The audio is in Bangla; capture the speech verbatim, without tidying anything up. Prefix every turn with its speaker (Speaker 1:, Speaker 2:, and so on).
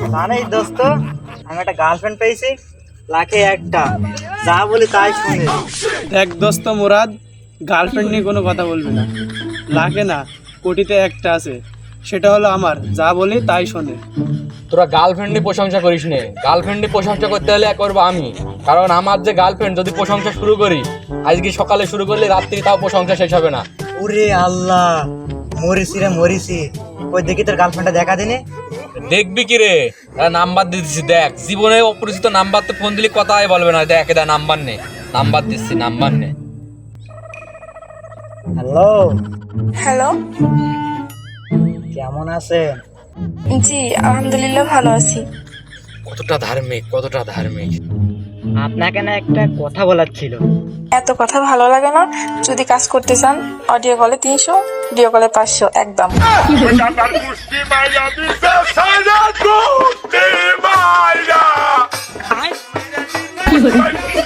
Speaker 1: জানিস দোস্ত, আমি একটা গার্লফ্রেন্ড পেয়েছি, লাখে একটা, যা বলি তাই শুনে।
Speaker 2: দেখ দোস্ত মুরাদ, গার্লফ্রেন্ড নিয়ে কোনো কথা বলবি না। লাখে না, কোটিতে একটা আছে, সেটা হলো আমার, যা বলি তাই শোনে।
Speaker 3: তোরা গার্লফ্রেন্ডে প্রশংসা করিস নে। গার্লফ্রেন্ডে প্রশংসা করতে হলে করবো আমি, কারণ আমার যে গার্লফ্রেন্ড, যদি প্রশংসা শুরু করি আজকে সকালে শুরু করলে রাত্রি তাও প্রশংসা শেষ হবে না।
Speaker 1: ওরে আল্লাহ, মরিসি রে মরিসি। ওই দেখি তোর গার্লফ্রেন্ডটা দেখা দিনে।
Speaker 3: দেখবি কি রে, নাম্বার দিয়ে দিচ্ছি, দেখ জীবনে অপরিচিত নাম্বার তো ফোন দিলে কথাই বলবে না। দেখ এটা নাম্বার নে, নাম্বার দিচ্ছি, নাম্বার নে।
Speaker 1: হ্যালো,
Speaker 4: হ্যালো,
Speaker 1: কেমন আছেন?
Speaker 4: জি আলহামদুলিল্লাহ ভালো আছি।
Speaker 3: কতটা ধার্মিক, কতটা ধার্মিক।
Speaker 1: আপনাকে না একটা কথা বলার ছিল।
Speaker 4: এত কথা ভালো লাগে না। যদি কাজ করতে চান অডিও কলে তিনশো, ভিডিও কলে পাঁচশো একদম।
Speaker 5: Ay.